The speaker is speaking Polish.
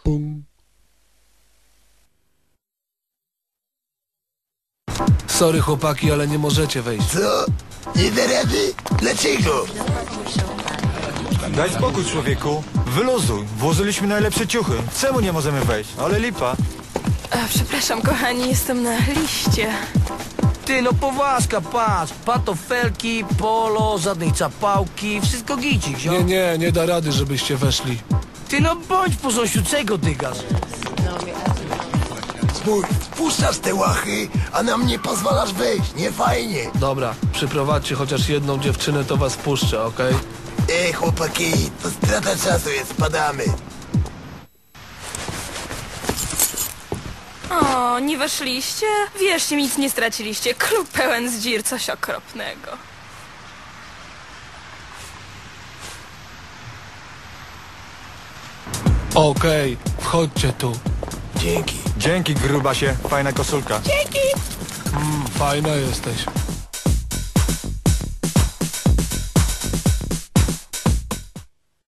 Pum. Sorry chłopaki, ale nie możecie wejść. Co? Nie da rady? Dlaczego? Daj spokój, człowieku. Wyluzuj. Włożyliśmy najlepsze ciuchy. Czemu nie możemy wejść? Ale lipa. Przepraszam, kochani, jestem na liście. Ty, no poważka, patrz. Patofelki, polo, żadnej czapałki, wszystko gicik, zio. Nie da rady, żebyście weszli. Ty, no bądź porząsiu, czego dygasz? Spójrz, wpuszczasz te łachy, a nam nie pozwalasz wejść. Nie fajnie. Dobra, przyprowadźcie chociaż jedną dziewczynę, to was puszczę, okej? Chłopaki, to strata czasu jest, spadamy. O, nie weszliście? Wierzcie mi, nic nie straciliście. Klub pełen zdzir, coś okropnego. Okej, wchodźcie tu. Dzięki. Dzięki, grubasie. Fajna koszulka. Fajna jesteś.